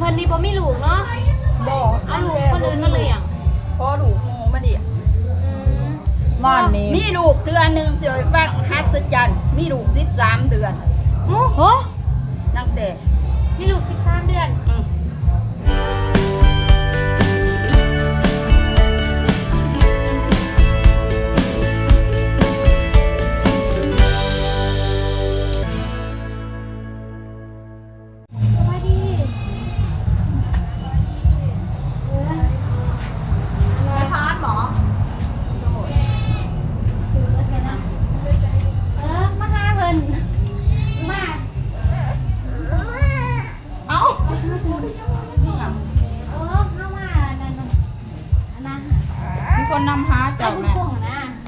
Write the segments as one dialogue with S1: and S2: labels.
S1: เพิ่นนี่บ่มีลูกเนาะ
S2: บ่
S1: เอาลูกคนอื่นมาเลี้ยง
S2: พอลูกงูมาเลี้ยง
S3: บ้านนี้
S2: มีลูกเดือนนึงสิไปฟังฮัศจรรย์มีลูก13เดือน
S1: โอ้
S3: โห
S2: ตั้งแต่
S1: มีลูก13เดือน
S3: คนนำหาเจ้าแม่
S1: เข้ามา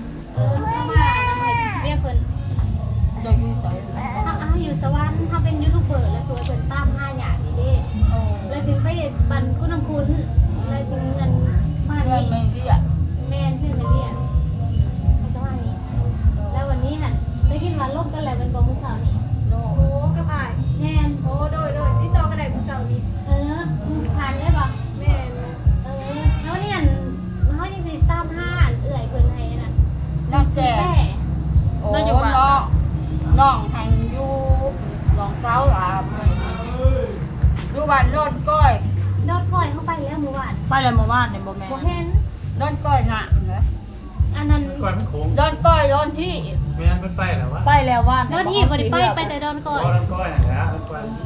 S1: เรียกเพิ่น
S2: โดยอยู่ไส
S1: อยู่สวรรค์เขาเป็นยูทูบเบอร์แล้วสวยเพิ่นตาม5อย่างนี้เด้แล้วจึงไปบันคุณน้ำคุณแล้วจึงเงินบ้าน
S2: เงิน
S1: นี้
S2: ไม่เรียก
S1: แม่นเพื่อนไปเรียนแล้วก็ว่านี้แล้ววันนี้หันได้กินวันลบกันแล้วเป็นบอกมื้อเช้านี้
S2: โด
S4: โอ้กับอาย
S1: แม่น
S4: โอ้โดยติดต่อกันได้ผู้สาวนี้
S1: ผ่านได้ปะ
S4: แม่น
S1: แล้วเนี่ยเขายังสิตาม5เอื่อยเพิ่นให้น่ะ
S2: นั่งแก่
S1: แต่
S2: โอ้น้องหันอยู่หลองเสาหลามอยู่บ้านโน่นก้อย
S1: โดดก้อยเข้าไปแล้วเมื่อวาน
S3: ไปเลยมาบ้านเนี่ยบ่แม่
S1: บ่เห็น
S2: โน่นก้อยหนักเหรอ
S1: อันนั้น
S5: ก่อนมันโค้ง
S2: โน่นก้อยโน่นที่
S5: ไม่งั้นมันไปแล้ววะ
S3: ไปแล้วว่าน
S1: โดดที่บ่ได้ไปแต่โดนก้อย
S5: ก้อนก้อยนะครับมันก้อยที่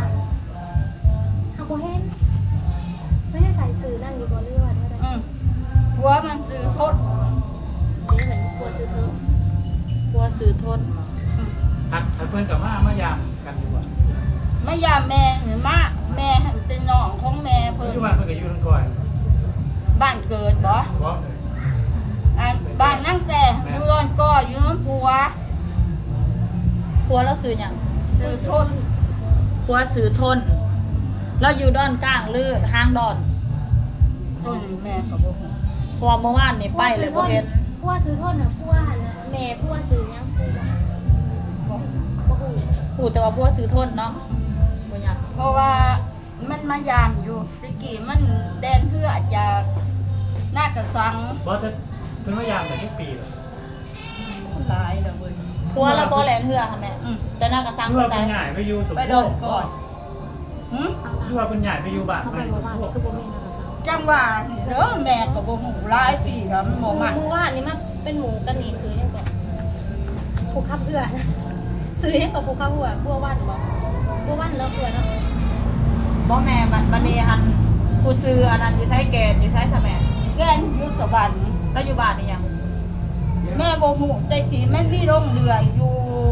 S1: เขาบ่เห็นไม่ได้ใส่สื่อนั่นอยู่บ่เรือว่าได้
S2: หัวมันซื้อทด
S1: เหมือนปวดสื่อเธอ
S3: ตัวสื่อทน
S5: หักเพื่อนกับมายามกันดีกว่า
S2: ไม่ยาแม่หรือมาแม่เป็นน้องของแม่เพิ่
S5: ปัจ
S2: น
S5: จุบันเพื่อนกับยูทั้งก้อย
S2: บ้านเกิดบ่
S5: เพราะ
S2: บ้านนั่งแต่อยู่โน่นก้อยอยู่โน่นผัว
S3: ผัวเราสื่ออย่าง
S2: ซื้อทด
S3: ผัวสื่อทนเราอยู่ดอนกลางหรือทางดอน
S2: ต้นแม่กับบ่ฮู้
S3: พอเมื่อวานนี่ไปเลยบ่เห็น
S1: พัวซื้อโทษน่ะพัวหั่นน่ะแม่พัวซื้อหยังพัว
S2: บ่
S1: บ่ฮู้
S3: พูดแต่ว่าผัวสื่อทนเนาะบ่อยาก
S2: เพราะว่ามันมายามอยู่ตะกี้มันแดนเพื่อจากหน้ากระสัง
S5: เพราะจะเป็นมายามแต่ทุกปีเลย
S2: หลายแล้วเว้ย
S3: ผัวเราบ่แลนเหือค่ะแม่แต่น่ากระซัง
S5: ยู
S3: ก็
S5: ว่า
S3: ใส่
S5: เป็นใหญ่ไปยูสม
S2: ไป
S5: โภ
S2: โดน
S5: ช
S2: ก่อนหึ
S5: ยูว่าเป็นใหญ่ไปยูบ้าน
S3: เข้า
S5: ไม่
S3: ไปบ่บ้านคือบ่มีน่ากระซัง
S2: จังว่าเด้อแม่ก็บ่ฮู้หลายปีแล้วมันบ่มัน
S1: หมู่ว่านนี่มันเป็นหมูกันนี่ซื้อหยังก่อนผูกขับเหือนะซื้อหยังก่อนผูกขับเหือบัววันบ่บัววันแล้วเหือเนาะ
S3: บ่แม่บัดนี้หันผู้ซื้ออันนั้นอยู่ไสแกนอยู่ไสค่ะแม่
S2: แกนอยู่สวรรค์
S3: แล้วอยู่บ้านนี่ยัง
S2: แม่บ่ฮู้แต่กี้มันมีโรงเรืออยู่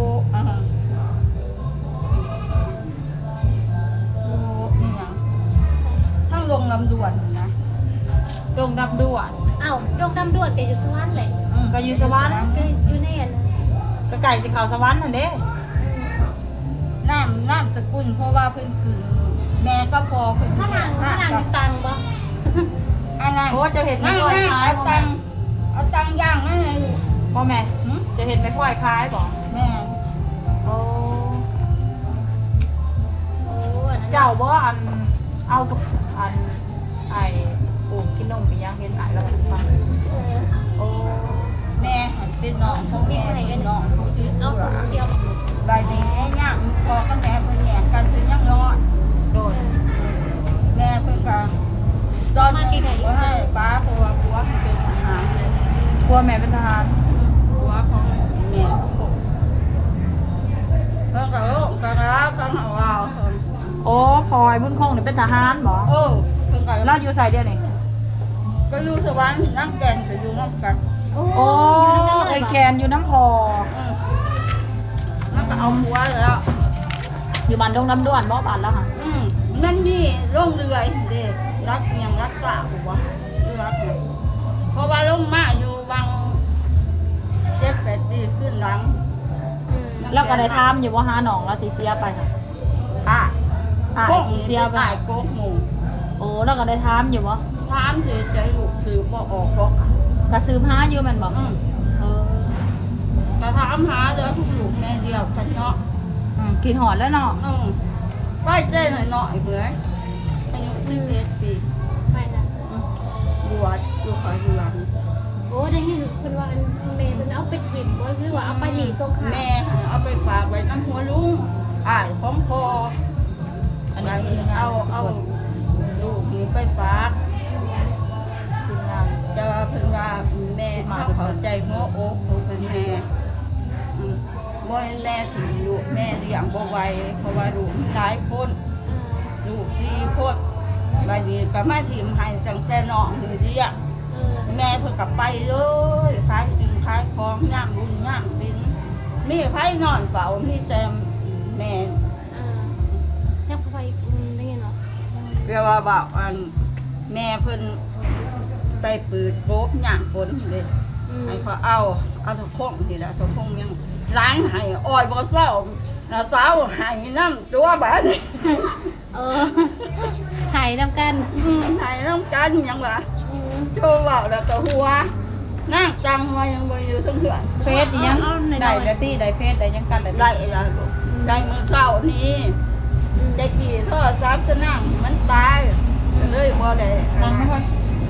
S2: นี่หยังทั้งโรงลำดวนนะ
S3: โรงดับด่วน
S1: อ้าวดอกดำดวดแกอยู่สวรรค์แหละ
S3: ก็อยู่สวรรค์
S1: แกอยู่ในอัน
S3: ก็ไก่สิเข้าสวรรค์นั่นเด้
S2: น้ำสกุลเพราะว่าเพิ่นคือแม่ก็พอเพิ่น
S1: ข้างหลังอยู่ตังบ่
S2: อันนั้น
S3: โอ้จะเห็นไม่
S2: นั่ง
S3: ค่อย
S2: นั่ง
S3: คล้าย
S2: เอา
S3: บ่
S2: ตั
S3: แม่
S2: งเอาตังย่างนั่นเลย
S3: บ่แม่
S2: หึ
S3: จะเห็นไม่ค่อยคล้ายบ่
S2: แม่
S3: โอ้
S1: โอ้อันนั้น
S3: เจ้าบ่อันเอาอันไอ้ปูกินนมไปย่างเห็นหลายแล้วฟังโอ้
S2: แม่หันเป็นน้องของแม่เป็นน้องของที่
S1: เอา
S2: ตัว
S1: เดียว
S2: ใบนี้ย่างพอกับแม่เพิ่นแหย่กันเพิ่นยังนอน
S3: โดน
S2: แม่เพิ่นก็ตอนนี้ว่าให้ป้าผัวผัวเพิ่นเป็นทหาร
S3: กลัวแม่เป็นทหาร
S2: ผัวของแม่เพิ่นก็ก็รักกันเอาเอา
S3: โอ้พลอยบุญคงนี่เป็นทหารบ่
S2: โอ้เพิ่นก็
S3: เราอยู่ไสเดียวนี่
S2: ก็อยู่สวรรค์นั่งแกนก็อยู่นำกัน
S1: โอ้
S3: โอ้
S1: อยู่นั่นกันเล
S3: ไอ้
S1: ย
S3: แกนอยู่น้ำพอ
S2: นั่นก็เอาผัวแล้ว
S3: อยู่บ้านดงน้ำด้วนบ่บ้านแล้วค่ะ
S2: นั่นนี่ลงเรือเด้รักเมียงรักษาผัวเรือเนี่ยเพราะว่าลงมาอยู่วัง7-8 ปีขึ้นหลัง
S3: แล้วก็ได้ถามอยู่ว่าหาหนองแล้วสิเสียไปค่ะ
S2: อ่ะ
S3: อ่า
S2: โค้ง
S3: เสียไป
S2: ตายโก๊กหมู
S3: โอ้แล้วก็ได้ถามอยู่บ่
S2: ถามเสียใจลูกสืบบ่ออกหรอก
S3: ก็ซื้อผ้าอยู่แม่นบ่เออ
S2: แต่ถามหาเด้อทุกลูกแม่เดียวกันเนาะ
S3: กินหอดแล้วเนาะ
S2: ไปเจ้หน่อยๆเบื่อ 11 ปี
S1: ไปนะ
S2: บวชอยู่ขออยู่หลัง
S1: โอ้ได้ยินเพิ่นว่าอันเมย์เพิ่นเอาไปถิ่มบ่หรือว่าเอาไปหลีสงขลา
S2: แม่เอาไปฝากไว้น้ำหัวลุงอ้ายของพ่อ
S3: อันนี้ทีมงาน
S2: เอาลูกหนูไปฝาก
S3: ทีมงาน
S2: จะว่าเพิ่นว่าแม่เข้าใจหัวอกเขาเป็นแม่บ่ให้แม่สิลูกแม่เลี้ยงบ่ไหวเพราะว่าลูกมันหลายคนลูก4คนบัดนี้ก็มาทิมให้ตั้งแต่น้องนี่เรียก แม่เพิ่นกลับไปเลยขายสินขายของย่ามบุญย่ามสินมีไผนอนเฝ้ามีแต่แม่
S1: ยังพอไปได้ยินเหรอ
S2: เรียกว่าบอกอันแม่เพิ่นไปปืดโป๊บย่างฝนเลยให้เขาเอาทุกคงนี่แหละทุกคงยังล้างให้อ้อยบ่เศร้าน้าสาวให้น้ำตัวบาดนี้
S1: หายนำกัน
S2: ให้น้ำกันยังวะโชว์เว้าแล้วก็หัวนั่งจังมายังบ่อยู่ทั้งเถื่อน
S3: เฟซอีหยังได้แล้วตี้ได้เฟซได้ยังกันแล้ว
S2: ได้แล้วลูกได้มื้อเช้านี้ได้กี่โทรศัพท์จะนั่งมันตายก็เลยบ่ได้
S3: นั่งไม่ค่อย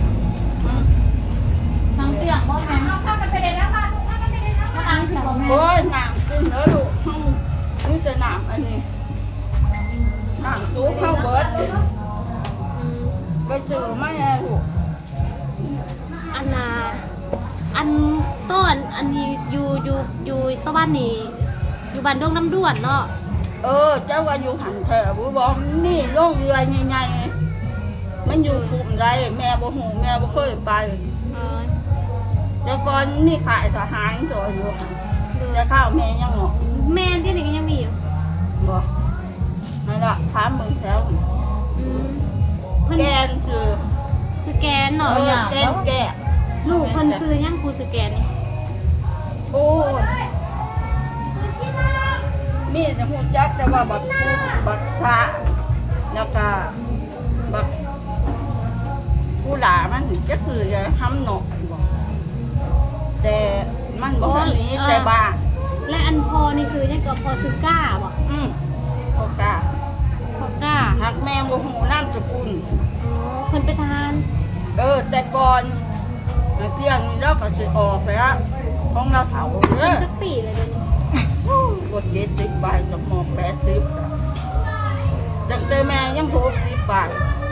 S3: นั่งเตียงบ่แม่
S4: เอาข้าวกันไปเลยนะป้าลูกข้าวกันไปเลยนะ
S3: มานั่งที่บ่แม่
S2: โอ้ยน้ำกินแล้วลูกห้องนี่จะน้ำอันนี้น้ำซุปข้าวเบิดไปเจอมาแน่ลูก
S1: อันน่ะอันต้นอันนี้อยู่สวรรค์นี่อยู่บ้านดงน้ำด้วนเนาะ
S2: เจ้าว่าอยู่หันแถวบุบอกนี่โรงเรือใหญ่ๆมันอยู่กลุ่มใดแม่บ่หูแม่บ่เคยไปแต่ก่อนนี่ขายทหารตัวอยู่จะข้าวแม่ยังหรอ
S1: แม่ที่นี่ก็ยังมีอยู่
S2: บ่นั่นล่ะถามเบิ่งแถว
S1: เพิ่น
S2: แกนคือ
S1: สแกนเนาะ
S2: แกนแกะ
S1: ลูกเพิ่นซื้อยังกูสแกนนี่
S2: โอ้ยมีแต่หูจักแต่ว่าบักพระแล้วก็บักผู้หลามันก็คือจะทำหนอกบอกแต่มันบอกอันนี้แต่บ้า
S1: และอันพอนี่ซื้อยังก็พอซื้อก้าบ่
S2: พอกา
S1: พอก้า
S2: หักแมงบ่หูน้ำสกุล
S1: เพิ่นไปทาน
S2: แต่ก่อนเที่ยงนี้เราก็สิออกไปละของเราเถาเด้อ
S1: สักปีเลยเดี๋ยวนี้
S2: กด70ใบกับหมอก80จังแต่แม่ยัง60ใบ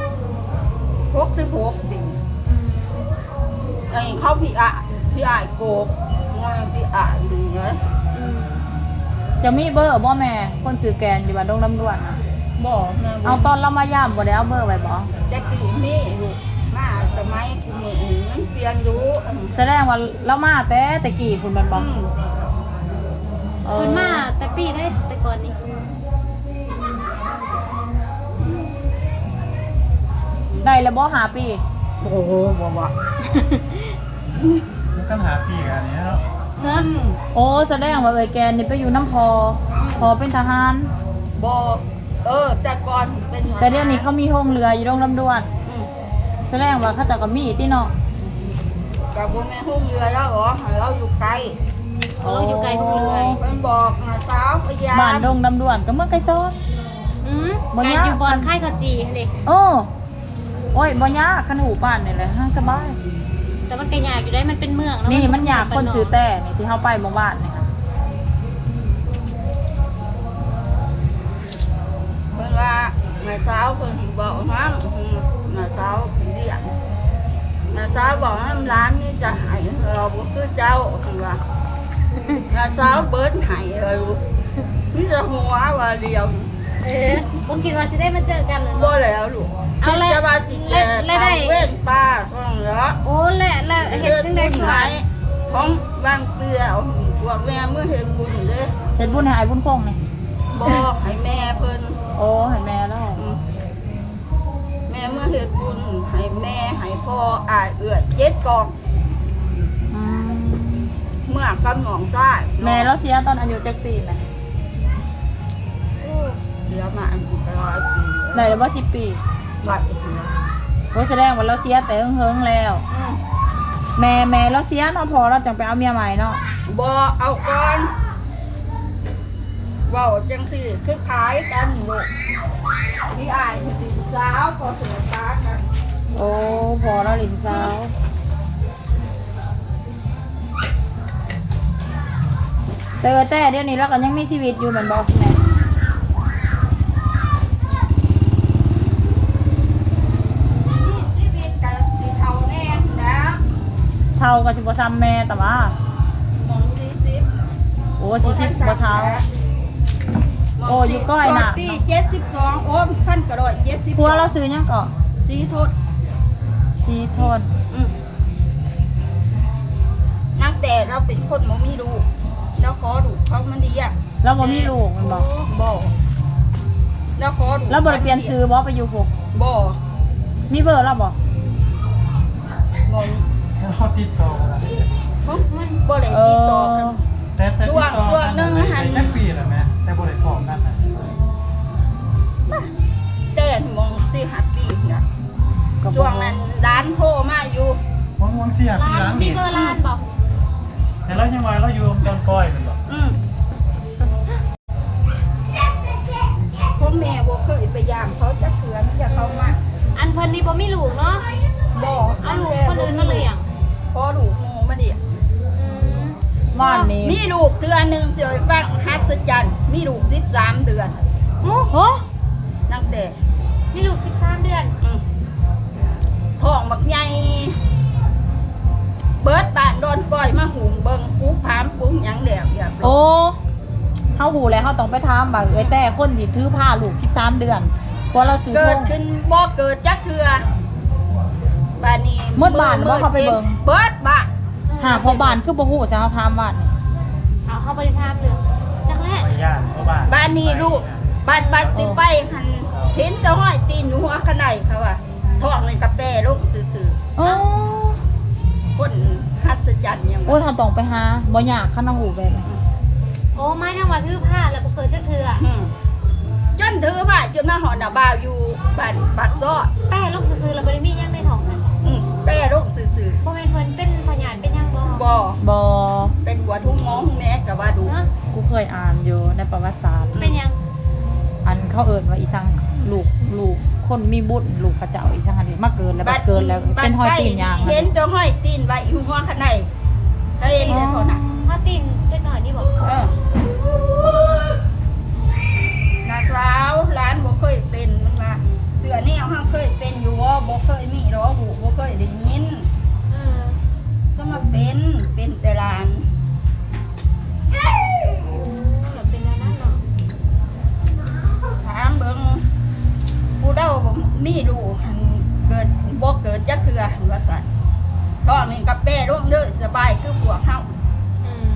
S2: 66ดิ่งไอ้เขาพี่อายโกบงอยพี่อายนี่ไง
S3: จะมีเบอร์บ่แม่คนซื้อแกนอยู่บ้านดงน้ำด้วนน่ะ
S2: บอกนะ
S3: เอาตอนเรามาย่ามบ่ได้เอาเบอร์ไว้บ่
S2: จะกี่นี่ลูกมาสมัยคุณหนูมันเปลี่ยนอยู่
S3: แสดงว่าเรามาแต่กี้พุ่นมันบ่
S1: เพิ่นมาแต่ปีได้แต่ก่อนนี่
S3: ได้แล้วบ่5 ปี
S2: โอ้โหบอกว่า
S5: มันต้องหาปีกันเนี้ยเนาะ
S1: เนาะ
S3: โอ้แสดงว่าเอ้ยแกนนี่ไปอยู่น้ำพอเป็นทหาร
S2: บอกแต่ก่อนเป็น
S3: แต่เดี๋ยวนี้เขามีโรงเรืออยู่ดงน้ำด้วน แสดงว่าเขาเจะก็มีที่เนาะ
S2: กับพวกแม่หุ้มเรือแล้วเหรอเราอยู่ไกล
S1: เราอยู่ไกลพวกเรือ
S2: มันบอกนะสาวพยา
S3: บ้านดงน้ำด้วนก็เมื่อไกลซ้อน บ่ยาก
S1: อยู่บอนค่ายเขาจีเด็ก
S3: โอ้ยบ่ยากคันหูบ้านนี่แหละห้างสบาย
S1: แต่มันก็ยากอยู่ได้มันเป็นเมืองเาะ
S3: นี่มันอยากคนซื้อแต่นี่ที่เฮาไปหมู่บ้านนี่ค่ะ
S2: เพิ่นว่าแม่สาวเพิ่นบอกนะแม่สาวเรียกแม่สาวบอกว่าร้านนี้จะให้เราบ่คือเจ้าเพิ่นว่าแม่สาวเบิดให้เรานี่จะหัวว่าเดียว
S1: บ่คิดว่าสิได้มาเจอกันเลย
S2: บ่
S1: เนาะ
S2: แล้วลูก
S1: เอาแล้ว
S2: จะว่าสิแก่
S1: แล้วได้
S2: เว้นป้าต้องเหรอ
S1: โอ้และเฮ็ดจังได๋
S2: บุญ
S1: คือ
S2: หายของบางเกลือพวกแม่เมื่อเฮ็ดบุญเด้
S3: เฮ็ดบุญให้อ้ายบุญคงนี่
S2: บอกให้แม่เพิ่น
S3: โอ้ให้แม่แล้ว
S2: แม่เมื่อเฮ็ดบุญให้แม่ให้พ่ออ้ายเอื้อ7กอง
S3: อืม
S2: เมื่อกำหนองซ้าย
S3: แม่เราเสียตอนอายุจักปีแม่
S2: เสียมาอันกี่ร้อยปี
S3: ได้แล้วบ่10 ปี
S2: บัดนี้นะ
S3: โอ้แสดงว่าเราเสียแต่เฮิงๆแล้ว แม่เราเสียเนาะพอเราจังไปเอาเมียใหม่เนาะ
S2: บ่เอาก่อนเว้าจังซี่คือขายกันลูกพี่อ้ายสิสาวพอเสือตาย
S3: โอ้พอแล้วหลินสาวเจอแต่เดี๋ยวนี้แล้วก็ยังมีชีวิตอยู่เหมือนบอกแม่
S2: ชีวิตกับสีเทาแน่นะ
S3: เท่ากับสิบซ้ำแม่แต่ว่าม
S2: อง40
S3: โอ้ชีชิบบ่เท่า โอ้อยู่ก้อยน่ะ
S2: ปี72โอ้พันกระโดด70
S3: พัวเราซื้อยังเกาะ
S2: สีโทษ
S3: ซีทน
S2: นักแต่เราเป็นคนบ่มีลูกแล้วขอลูกเขามันดีอ่ะ
S3: แล้วบ่มีลูกมันบอก
S2: บ่แล้วขอลูก
S3: แล้วบ่ได้เปลี่ยนซื้อบ่ไปอยู่พวก
S2: บ่
S3: มีเบอร์แล้วบ่
S2: บ่มี
S5: เขาติดต่อกัน
S2: บ่ได้
S3: เอ
S2: ติดต่อ
S3: อ
S2: กัน
S5: แต่ติดต่อ
S2: ช่วงหนึ่งหัน
S5: แค่ปีละแม่แต่บ่ได้พร้อมกันนะ
S2: แต่มองสิหัดปีน่ะ
S3: ก็บ่
S2: ช่วงนั้นร้านโทรมาอยู่
S5: วังเสียปี
S1: ร้าน
S5: หลัง
S1: มี
S5: นี่
S1: เบอร์ร้านบอก
S5: แต่เรายังว่าเราอยู่ตอนก้อยมันบอก
S2: พ่อแม่บ่เคยไปยามเขาจะเถือนจะเข้ามา
S1: อันเพิ่นนี่บ่มีลูกเนาะ
S2: บ่
S1: เอาลูกคนอื่นมาเลี้ยง
S2: พอลูกโมมาดิ
S1: อืม
S3: บ้านนี้
S2: มีลูกเดือนหนึงสิไปฟังหัศจรรย์มีลูก13เดือน
S1: โอ้
S3: โห
S2: ตั้งแต่
S1: มีลูก13 เดือน
S2: ท้องบักใหญ่เบิดบ้านโดนก้อยมาหุงเบิ่งปูผามปุ้งหยังแดกอยาก
S3: โอ้เฮาหูแล้วเฮาต้องไปถามว่าเอ้ยแต่คนสิถือผ้าลูก13เดือนเพราะเราซื้อ
S2: เกิ
S3: ท
S2: ด
S3: ง
S2: ขึ้นบ่เกิดจักเทื่อบ้านนี้
S3: หมดบ้านบ่เข้าไปเบิ่ง
S2: เบิดบ้าน
S3: หาพอบ้านคือบ่ฮู้ซะเฮาถามบ้านนี่
S1: เอาเข้าบริทามเรื่องจักแรก
S5: ไปย่านเพราะบ้าน
S2: บ้านนี้ลูกบ้านสิไปหันเห็นแต่ห้อยตีนอยู่หัวขนาดเขาว่าท้องในกระแปลูกซื่อ
S3: โอ้
S2: ๆคนหัศจรรย์ยัง
S3: โอ้ยเฮาต้องไปหาบ่ยากคันเฮาหูแบบนี้
S1: โอ้ไม่ทั้งว่าถือผ้าแล้วบ่เกิดจักเทื่อ
S2: จนถือว่าจนมาหอดบ่าวอยู่บ้านบัดซ้อ
S1: แป้ลูกซื่อๆแล้วบ่ได้มีหยังในท้องนั่น
S2: แป้ลูกซื่อ
S1: บ่แม่นเพิ่นเป็นพยานเป็นหยังบ่
S2: ๆบ่
S3: บ่
S2: เป็นหัวทุ่งหมอทุ่งแม่กับว่าดู
S1: เนาะ
S3: กูเคยอ่านอยู่ในประวัติศาสตร์
S1: เป็นหยัง
S3: อันเขาเอิ้นว่าอีสังลูกคนมีบุญลูกพระเจ้าอีสังหันนี่มาเกินแล้วบัดเกินแล้วเป็นห้อยตีนยาง
S2: เห็นแต่ห้อยตีนไว้อยู่หัวขนาดเห็นแต่เท่านั้น
S1: ถ้าตีนเล็กน้อยนี่บ่
S2: นาสาวร้านบ่เคยเป็นมันว่าเสือแนวห้างเคยเป็นอยู่บ่เคยมีหรอหูบ่เคยได้ยิน
S1: เออ
S2: ก็มาเป็นแต่ร้าน
S1: แล้วเป็นแล้วนั่นเนาะ
S2: ถามเบิ่งผู้เฒ่าบ่มีลูกหันเกิดบ่เกิดจักเทื่อหันว่าซั่นท้องนี่กับแป้ลงเด้อสบายคือพวกเฮา
S1: อืม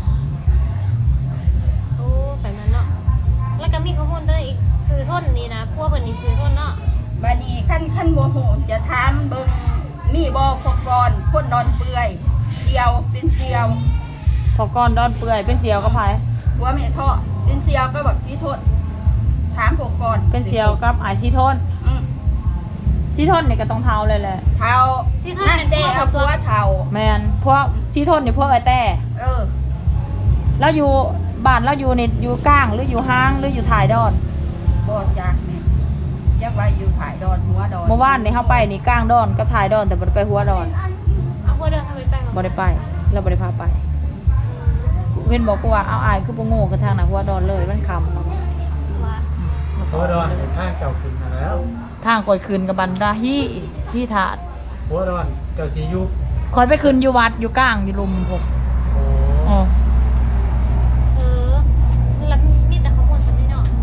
S1: โอ้แบบนั้นเนาะแล้วก็มีข้อมูลตัวอีกซื้อทนนี่นะพวกเพิ่นนี่ซื้อทนเนาะ
S2: บัดนี้คันบ่ฮู้จะถามเบิ่งมีบ่พกกรคนนอนเปื่อยเดียวเป็นเสียว
S3: พอก่อนดอนเปื่อยเป็นเสียวกับไผ
S2: หัวแม่ท่อเป็นเสียวก็แบบสีโทษถามพกกร
S3: เป็นเสียวกับอายซีโทนซีโทนนี่ก็ต้องเท่าเลยแหละ
S2: เท้านั่นเด้เอาตัวเท้า
S3: แม่นพวกซีโทนนี่พวกไอ้แต่
S2: เออ
S3: แล้วอยู่บ้านแล้วอยู่นี่อยู่กลางหรืออยู่ห้างหรืออยู่ถ่ายดอน
S2: บ่จากนี่ยักไว้อยู่ถ่ายดอนหัวดอน
S3: เมื่อวานนี่เฮาไปนี่กลางดอนกับถ่ายดอนแต่บ่ได้ไปหัวดอน
S1: เอาพวกเดินทำไปไป
S3: บ่ได้ไปแล้วบ่ได้พาไปเพิ่นบอกกูว่าเอาอายคือบ่โง่กันทางน่ะหัวดอนเลยมันค่ำ
S1: ว่า
S5: หัวดอนเป็นข้างเก่าขึ้นมาแล้ว
S3: ทางก่อยคืนกับบันดาที่ถาด
S5: หัวดอนเจ้าสียุบ
S3: คอยไปคืนอยู่วัดอยู่กลางอยู่ลุมพวก
S5: โอ้
S3: อ๋อ
S1: เออแล้วมีแต่ข้อมูลสันนิษฐาน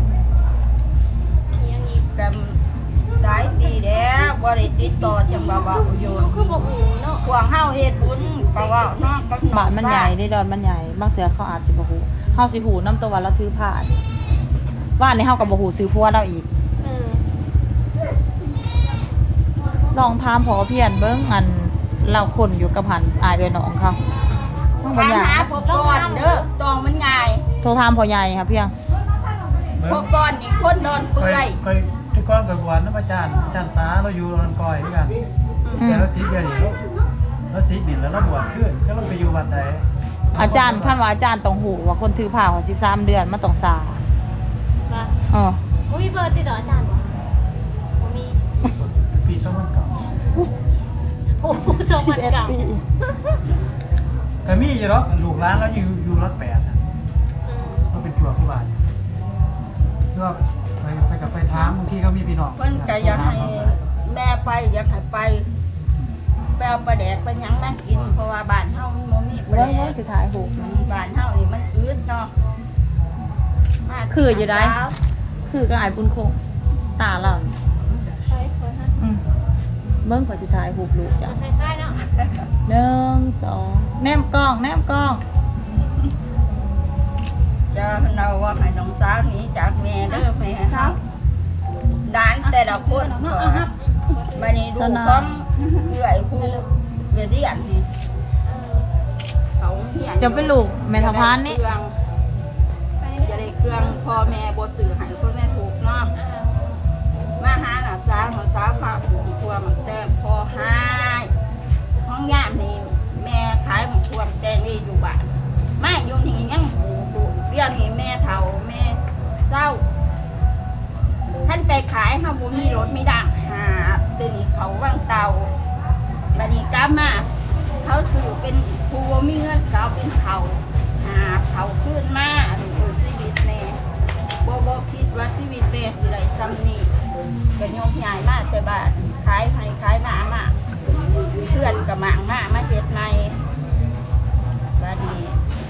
S1: อย่างนี้
S2: กันหลายปีแล้วบ่ได้ติดต่อจังว่าว่าอยู่
S1: คือบ่หูเนาะ
S2: พวกเฮาเฮ็ดบุญก็ว่าเนาะกับ
S3: บ้านมันใหญ่ได้ดอนมันใหญ่บางเทื่อเขาอาจสิบ่ฮู้เฮาสิฮู้นำตัวว่าเราถือผ้านี่ว่านนี่เฮาก็บ่ฮู้ซื้อผัวเราอีก
S1: เออ
S3: ลองถามพอเพียนเบิ่งอันเราคนอยู่กับหันอายเอ้ยน้องเขามันบ่
S2: ถาม
S3: ยาก
S2: หาพกกรเด้อตองมันง่าย
S3: โทรถามพ่อใหญ่ค่ะเพียง
S2: พกกรนี่คนนอนเปื่อย
S5: ค่อยทุกก้อนกับบวนน้ำอาจารย์สาเราอยู่นอนก้อยด้วยกันแต่เราสีเดียวนี่เราสีบินแล้วเราบวชขึ้นก็เราไปอยู่วัดใด
S3: อาจารย์คันว่าอาจารย์ต้องฮู้ว่าคนถือผ้าของ13เดือนมันต้องซา
S1: ว่า
S3: อ๋อ
S1: บ่มีเบอร์ติดต่ออาจารย์บ่บ่มี
S5: ปี2009
S3: 11 ปี
S5: ก็มีอยู่หรอกลูกร้านแล้วอยู่รถ8อ่ะก็เป็นจั่วผู้บาดก็ไปกับไปถามบางทีเขามีพี่น้อง
S2: เพิ่นก็อยากให้แม่ไปอยากให้ไปเอาปลาแดกไปหยังมากินเพราะว่าบ้านเฮามันบ่มีปลา
S3: เบิ่ง
S2: แด
S3: เบิ่ง
S2: ก
S3: สิถ่ายรูป
S2: บ้านเฮานี่มันอืดเนาะมา
S3: คืออยู่ได้ คือก็อายบุญคงตาเรานี่อืมเบิ่งขอสิถ่ายรูปลูกจ้ะ
S1: คล้ายๆเนาะ
S3: 1 2แนมกล้องแนมกล้อง
S2: จะเราว่าให้น้องสาวหนี้จากแม่เด้อแม่เฮาด้านแต่ละคนก็บัดนี้ดูของเอื้อยผู้เวียเดียนนี่เขาเฮียน
S3: จะเป็นลูกแม่ทพานนี่
S2: จะได้เครื่องพ่อแม่บ่ซื้อให้พ่อแม่ถูกเนาะมาหาหน้าสาวพาปลูกครัวหมักแตงพอหายห้องยามนี่แม่ขายหมักครัวแตงนี่อยู่บ้านมาอยู่นี่ยังปลูกเดี๋ยวนี้แม่เฒ่าแม่เศร้าท่านไปขายเฮาบ่มีรถมีดังหาเดี๋ยวนี้เขาวางเตาบัดนี้กลับมาเขาซื้อเป็นผู้บ่มีเงินเขาเป็นเขาหาเขาขึ้นมาชีวิตแม่บ่คิดว่าชีวิตแม่สิได้ซ้ำนี้ก็ยกย้ายมาแต่บ้านขายให้ขายมาเพื่อนก็มางมาเฮ็ดใหม่บัดนี้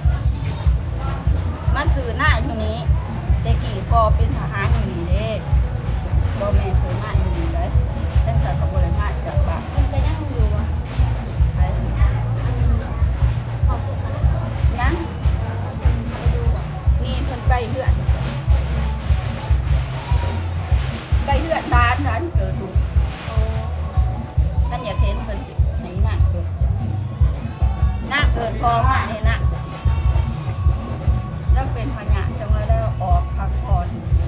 S2: มันคือหน้าอยู่นี้แต่กี่พอเป็นทหารอยู่นี่เด้บ่แม่เคยมาอยู่นี่เลยตั้งแต่ก็บ่ได้มาจากบ้าน
S1: มันก็ยังอยู่อ่ะ
S2: ไป
S1: ขอบคุณค่ะ
S2: ยังนี่เพิ่นไปเฮือนร้านเกิดดูท่านอยากเห็นเพิ่นสิไหนน่ะเกิดพอมาเนี่ยนะแล้วเป็นพญาจังเลยได้ออกพักผ่อน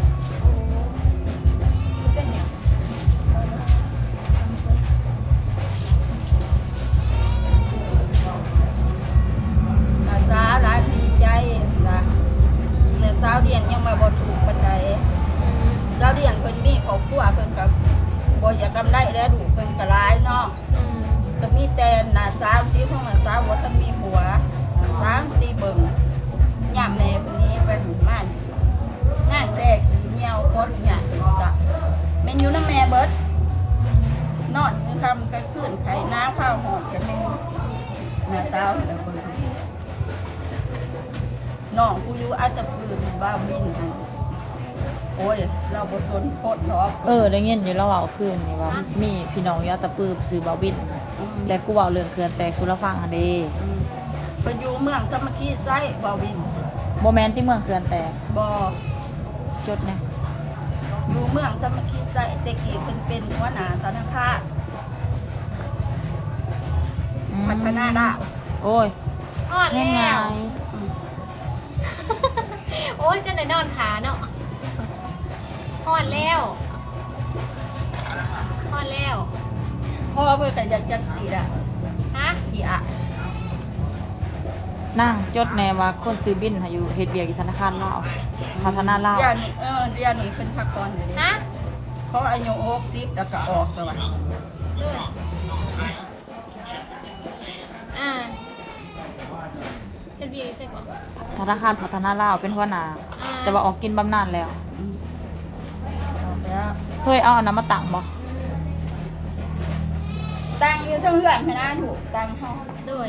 S2: เป็นอย่างนาสาวร้านดีใจนะเนี่ยสาวเดียนยังมาบ่ถูกปันใดสาวเดียนเพิ่นมีครอบครัวเพิ่นกับบ่อยากกำได้แล้วดูเพิ่นก็ร้ายเนาะก็มีแต่หน้าสาวที่พวกหน้าสาวบ่ทันมีผัวสาวตีเบิ่งย่ามแม่คนนี้ไปหูม่านงานแต่ขี้เหนียวโคตรหยาดจ้ะแม่นอยู่นำแม่เบิดนอนกลางค่ำกลางคืนไข่น้ำข้าวหอดก็เป็นหน้าสาวแล้วเบิ่งน้องกูอยู่อาจจะปืนบ้าบินหั่นโอ้ยเราบ่ทนโคตรหรอก
S3: ได้ยินอยู่แล้วเว้าคืนนี่ว่ามีพี่น้องอยู่อัตตปืบซื้อบ่าวบินและกูเว้าเรื่องเขื่อนแตกสุรฟังหั่นเด้
S2: ไปอยู่เมืองสามัคคีไส้บ่บิน
S3: บ่แม่นที่เมืองเขื่อนแตก
S2: บ่
S3: จดนะ
S2: อยู่เมืองสามัคคีไส้แต่กี้เพิ่นเป็นหัวหน้าธนาคาร พัฒนาดาว
S3: โอ้ย
S1: อ่อน
S3: ยังไง
S1: แล้วโอ้ยจะไหนนอนขาเนาะอ่อนแล้วอ่อนแล้ว
S2: พ่อเพิ่นแต่จักสีละ
S1: ฮะ
S2: อีอะ
S3: นั่งจดแน่ว่าคนซื้อบินให้อยู่เฮ็ดเวียกอยู่ธนาคารลาวพัฒนาลาว
S2: เดือนนี้เพิ่นพักผ่อนอยู่นี่
S1: ฮะ
S2: เขาอายุ60แล้วก็ออกแล้วว่ะ
S1: ด้วยเป็นวีใช่ปะ
S3: ธนาคารพัฒนาลาวเป็นหัวหน้าแต่ว่าออกกินบำนาญแล้ว
S2: ออกแล้ว
S3: เฮ้ยเอาอันนั้นมาตั้งบ่
S2: ตั้งอยู่เทั้งเฮือนให้นะถูกตั้งเฮา
S1: ด้วย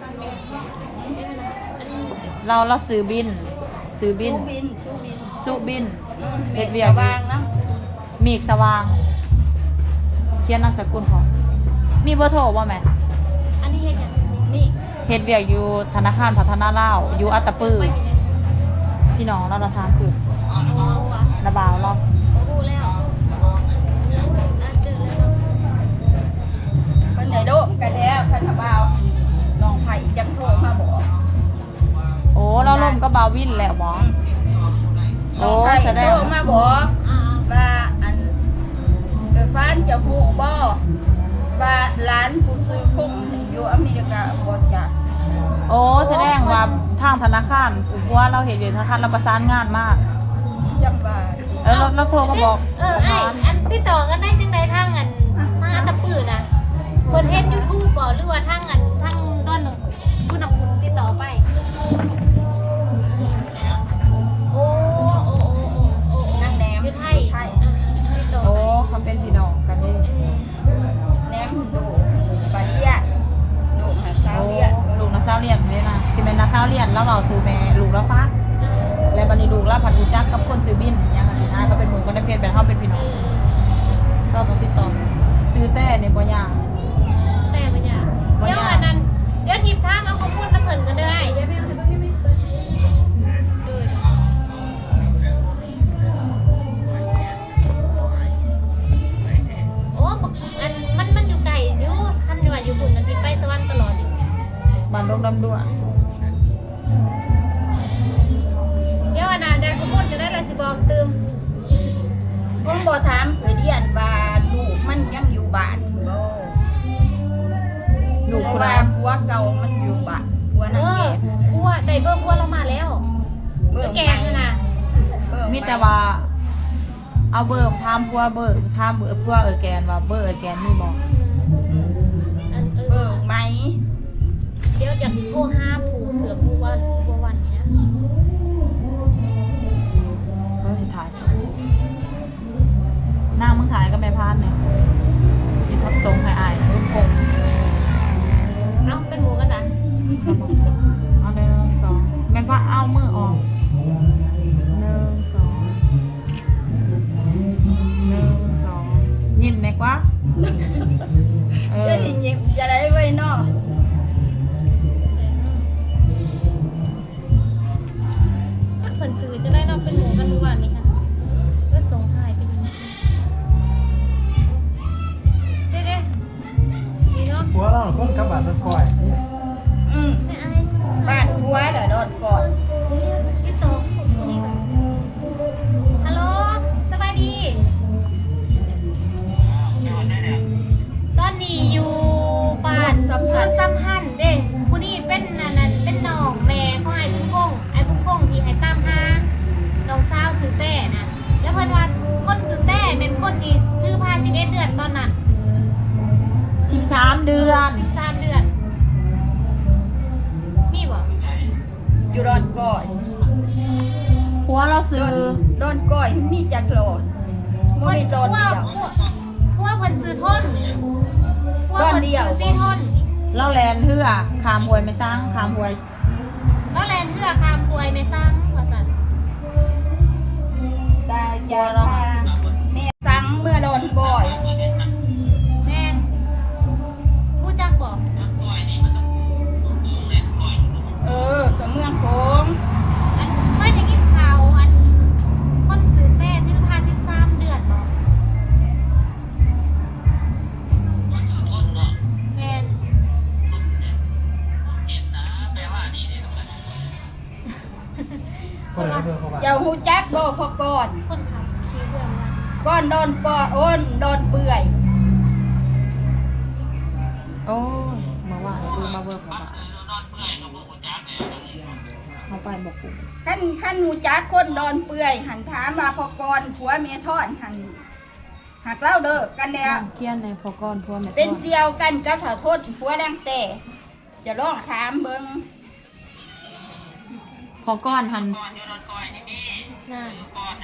S3: เราซื้อบิน
S2: ตู้บิน
S3: สุบิน
S2: เฮ็
S3: เฮ็
S2: ด
S3: ด
S2: เวี
S3: เวี
S2: ย
S3: ย
S2: ก
S3: ก
S2: วางเนาะ
S3: มีอีกสว่าง เขียนนามสกุลของมีเบอร์โทรบ่แม่
S1: อันนี้เห็นยัง
S2: นี่
S3: เฮ็ดเวียกอยู่ธนาคารพัฒนาลาวอยู่อัตตปือ
S1: ไปเห็นยัง
S3: พี่น้องเราทางคือ
S1: โอ้ว่ะ
S3: ระบาวเรา
S1: โอ้โหแล้วเจอแล้วเนาะ
S2: เพิ่นได้โดมกันแล้วพันธบ่าวน้องไผจังโทรมาบอก
S3: โอ้เราล่มก็บาววินแล้วบ่
S2: น้
S3: โอ้
S2: องไผ
S3: แสด
S2: โท
S3: ง
S2: รมาบอก ว่าอันโดยฟ้านจะพูดบ่ว่าร้านผู้ซื้อคงอยู่อเมริกาบ่จ้ะ
S3: โอ้แสดงว่าทางธนาคารอุบว่าเราเห็นอยู่ธนาคารเราประสานงานมาก
S2: จังว่า
S3: แล้วเราโทรมาบอก
S1: ไอ้อันที่ต่อกันได้จังไดทางอันทางอันตะปื้อนะเพิ่นเฮ็ด YouTube บ่หรือว่าท
S3: แต่นี่บ่ยาก
S1: แต่มันอยากเดี๋ยวอันนั้นเดี๋ยวทีมทางเอาข้อมูลมาเพิ่นกันได้เดี๋ยวไม่เอาเดี๋ยวไม่โอ้บักอันมันอยู่ไกลอยู่คันว่าอยู่บุญนั้นสิไปสวรรค์ตลอดอยู่
S3: บ้านดงดำด้วน
S1: เดี๋ยวอันนั้นได้ข้อมูลจะได้ละสิบอกตืม
S2: ผมบ่ถามเดียนว่าลูกมันยังอยู่บ้านบ่
S3: ลูก
S2: เพ
S3: ผู้
S2: ราะ
S3: ใด
S2: ว่าผัวเก่ามันอยู่บ้านผัว
S1: เอ
S2: นั่น
S1: อ
S2: แก่
S1: พัวได้เบอร์พัวเรามาแล้วเบอร์แกงน่ะ
S3: มีแต่ว่าเอาเบอร์ถามผัวเบอร์ถามเบอร์ผัวแกนว่าเบอร์แกนมีบ่
S1: อัน
S2: เบิ่งไหม
S1: เดี๋ยวจะโทรหาผู้เสือผู้ว่าผู้วันนี้นะ
S3: เบอร์สิถ่ายสินางมึงถ่ายกับแม่พานเนี่ยจิตทับทรงให้อายรุ่นคง
S1: เอ้าเป็นหมูกันนะ
S3: เอาหนึ่งสองแม่พานเอามือออกหนึ่งสองหนึ่งสองยิ้มแน่กว่าเออ
S2: จะยิ้มจะได้ไว้เนาะ
S1: ถ้าคนซื้อจะได้เราเป็นหมูกันทุกวันนี้ค่ะก็ส่งหายไปดูเด้ดีเนาะ
S5: หัวเราคนกับบ้านต้นก้อย
S2: อืม
S1: ไม่อาย
S2: บ้านผัวเด้อโดนก่อน
S1: พี่โตนี่ฮัลโหลสบายดีตอนนี้อยู่บ้านสัมพันธ์เด้ผู้นี้เป็นนั่นเป็นน้องแม่ของไอ้พุ่งพงที่ให้ตามหาน้องสาวซื้อแต่นะแล้วเพิ่นว่าคนซื้อแต่เป็นคนที่ซื้อผ้า11 เดือนตอนนั้น
S3: 13 เดือน
S1: 13 เดือน มีบ่
S2: อยู่โดนก่อน
S3: ผัวเราซื้อ
S2: โดนก่อยมีจักรโลดบ่มีโดนเดียว
S1: พวกเพิ่นซื้อท่อนพวกเพิ่นซื้อ4 ท่อน
S3: เราแลนเฮือขามหวยไม่สร้างขามหวย
S1: แล้วแลนเพื่อคามป่วยไม่สร้างว่าซั่น
S2: ตาอยาพาแม่สั่งเมื่อโดนก่อย
S1: แม่นผู้จักบ่
S2: กับเมืองโขง
S1: อันเพิ่นได้กินข่าวอันคนซื้อแม่ซื้อผ้า13 เดือนบ่แม่น
S5: คนไหนเบอร์เขาบ้าน
S2: เจ้าฮู้จักบ่พอก่อน
S1: คนขับขี่เรือมา
S2: ก่อนโดนก่อโอนโดนเปื่อย
S3: โอ้ยมาว่าดูมาเบิกมาเขาไปบอกกู
S2: ขั้นฮู้จักคนโดนเปื่อยหันถามว่าพอก่อนผัวเมียทอดหันหักเล่าเด้อกันแล้ว
S3: เคียนในพอก้อนพวกแม่
S2: เป็นเสี่ยวกันกับถ้าโทษผัวดังแต่จะลองถามเบิ่ง
S3: พอก้อนหัน
S1: น่ะ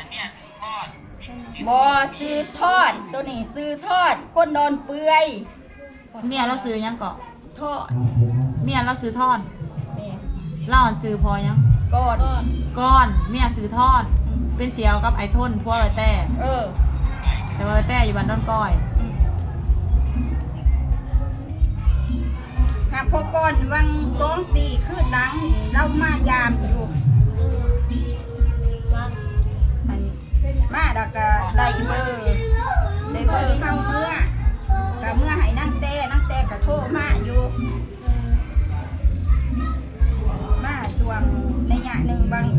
S2: บ่ซื้อทอดตัวนี้ซื้อทอดคนโดนเปื่อย
S3: เมียเราซื้อยังเกาะ
S2: ทอด
S3: เมียเราซื้อทอด
S2: แม่
S3: เล่าอันซื้อพอยัง
S2: ก่อน
S3: ก้อนเมียซื้อทอด เป็นเสียวกับไอ้ทนพวกไอ้แต่
S2: เออ
S3: แต่ว่าไอ้แต่อยู่บ้านดอนก้อย
S2: หากพอก่อนวัง2 ปีขึ้นหลังเรามายามอยู่
S1: ว่า
S2: อันมาแล้วก็ไล่เบอร์ได้เบอร์เข้าเมื่อก็เมื่อให้นั่งแต่ก็โทรมาอยู่มาช่วงในยะหนึ่งบาง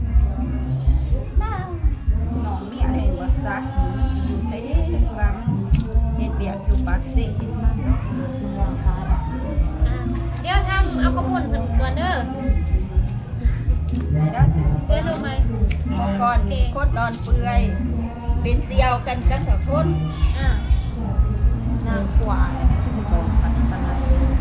S2: หนองเมียอะไรวะซักอยู่ใช้ได้ว่ามันเฮ็ดเบียกอยู่ปากเสียมัน
S3: มันวางค้าเนาะ
S1: เดี๋ยวทำเอาข้อมูลเพิ่นก่อนเด้อ
S2: ได้แล้วสิ
S1: เดี๋ยวรู้ไหม
S2: เมื่อก่อนโคตรนอนเปื่อยเป็นเซียวกันกับสาวคน
S1: อ่าน
S3: างขวาที่มันบอกปันปันไหน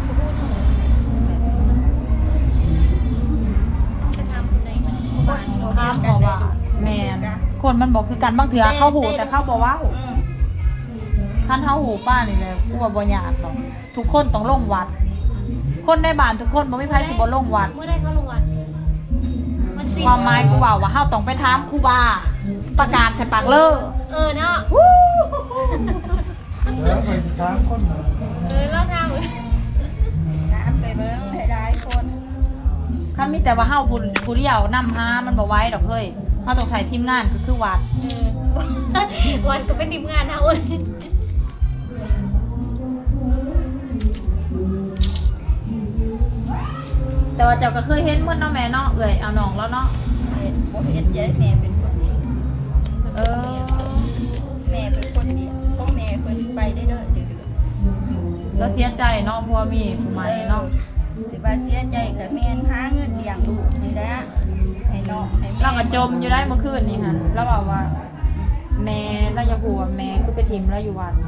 S1: จะทำคนไหนบ้าน
S3: ข้ามบอกว่าแมนคนมันบอกคือกันบางเถื่อเข้าหูแต่เข้าบอกว่า
S2: อืม
S3: ท่านเข้าหูป้านี่เลยกูว่าบ่ยากหรอกทุกคนต้องลงวัด คนในบ้านทุกคนบ่มีใครสิบ่ลงวัด
S1: เมื่อได้เข้าโรงวัดมันสิ
S3: ความหมายกูว่าเฮาต้องไปถามครูบาประกาศใส่ปากเลอ
S1: เนาะ
S5: แล้วมัน 3 คนเหรอ
S1: เราทาง
S2: น้ำไปเบิ้งให้ได้คน
S3: คันมีแต่ว่าเฮาผู้เดียวนำหามันบ่ไหว้ดอกเฮ้ยเฮาต้องใช้ทีมงานก็คือวัด
S1: วันก็เป็นทีมงานนะเว้ย
S3: แต่ว่าเจ้าก็เคยเห็นหมดเนาะแม่เนาะเอ้ยเอาน้องแล้วเนาะ
S2: บ่เฮ็ดเยอะแม่เป็นคนดี
S3: เออ
S2: แม่เป็นคนดีพ่อแม่เพิ่นไปได้เด้อเดือด
S3: แล้วเสียใจเนาะเพราะว่ามีผู้ใหม่เนาะ
S2: สิว่าเสียใจกับแม่นหาเงินเลี้ยงลูกนี่แหละให้น้องให้แม่
S3: เราก็จมอยู่ได้เมื่อคืนนี่หั่นแล้วบอกว่า แม่เราอย่าฮู้ว่าแม่คือไปทิมเราอยู่วัด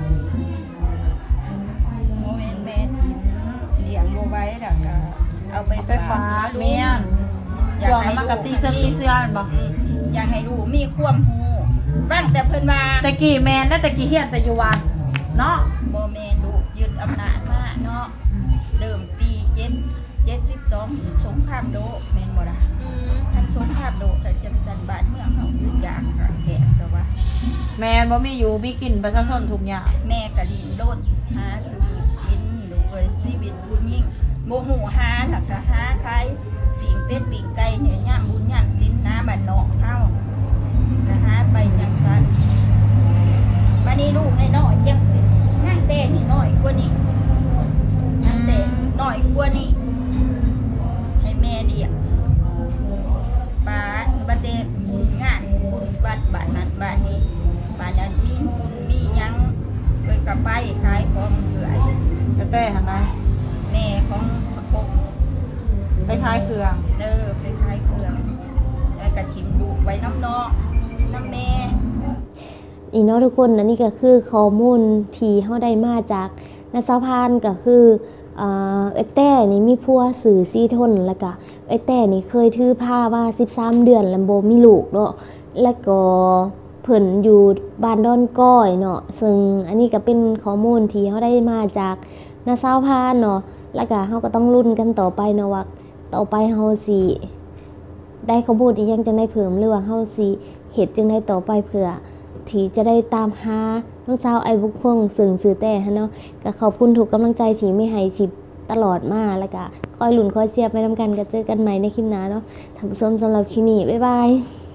S2: โมเมนต์แม่ที่เลี้ยงบ่ไหว้แล้วก็เอาไป
S3: ไปฟ้าแม่นช่วงนั้นมันก็ตีเสื้อตีเสื้อแม่นบ่
S2: อยากให้ลูกมีความรู้บ้างแต่เพิ่นว่า
S3: ตะกี้แม่นแล้วตะกี้เฮียนแต่อยู่วัดเนาะ
S2: บ่แม่นลูกยึดอำนาจมาเนาะเริ่มปี72สงครามโลกแม่นบ่ล่ะอันสงครามโลกก็จังซั่นบ้านเมืองเฮาอยู่อย่างขาดแคลนก็ว่า
S3: แม่นบ่มีอยู่มีกินประชาชนทุกอย่าง
S2: แม่ก็ดิ้นรนหาสู่กินลูกเอ้ยชีวิตผู้หญิงบ่ฮู้หาแล้วก็หาขายสิ่งเป็ดปิ้งไก่เนี่ยยามบุญยามศีลนะบ้านนอกเฮาก็หาไปจังซั่นบัดนี้ลูกน้อยๆจังสินั่งแต่นี่น้อยกว่านี้นั่งแต่น้อยกว่านี้ให้แม่เลี้ยงป้าบัดเดบุญงานบุญวัดบ้านนั้นบ้านนี้บ้านนั้นมีบุญมีหยังเพิ่นก็ไปขายของเรื่อย
S3: แต่หั่นนะ
S2: แม่ของพระกบ
S3: ไปขายเครื่อง
S2: ไปขายเครื่องแล้วก็ทิมลูกไว้น้ำนอกน้ำแม่
S1: อีเนาะทุกคนนะนี่ก็คือข้อมูลที่เฮาได้มาจากนาซาพานก็คือเอ้ยแต่นี่มีผัวสื่อซีทนแล้วก็เอ้ยแต่นี่เคยถือผ้าว่า13 เดือนแล้วบ่มีลูกเนาะแล้วก็เพิ่นอยู่บ้านดอนก้อยเนาะซึ่งอันนี้ก็เป็นข้อมูลที่เฮาได้มาจากนาซาพานเนาะแล้วก็เฮาก็ต้องลุ้นกันต่อไปเนาะว่าต่อไปเฮาสิได้ข้อมูลอีกยังจังได้เพิ่มหรือว่าเฮาสิเฮ็ดจังได๋ต่อไปเพื่อที่จะได้ตามหาน้องสาวไอ้บุกพงซึ่งสื่อแต่ฮะเนาะก็ขอบคุณทุกกำลังใจที่ไม่ให้ทิปตลอดมาแล้วก็คอยหลุนคอยเชียร์ไปนำกันก็เจอกันใหม่ในคลิปหน้าเนาะท่านผู้ชมสำหรับคลิปนี้บ๊ายบาย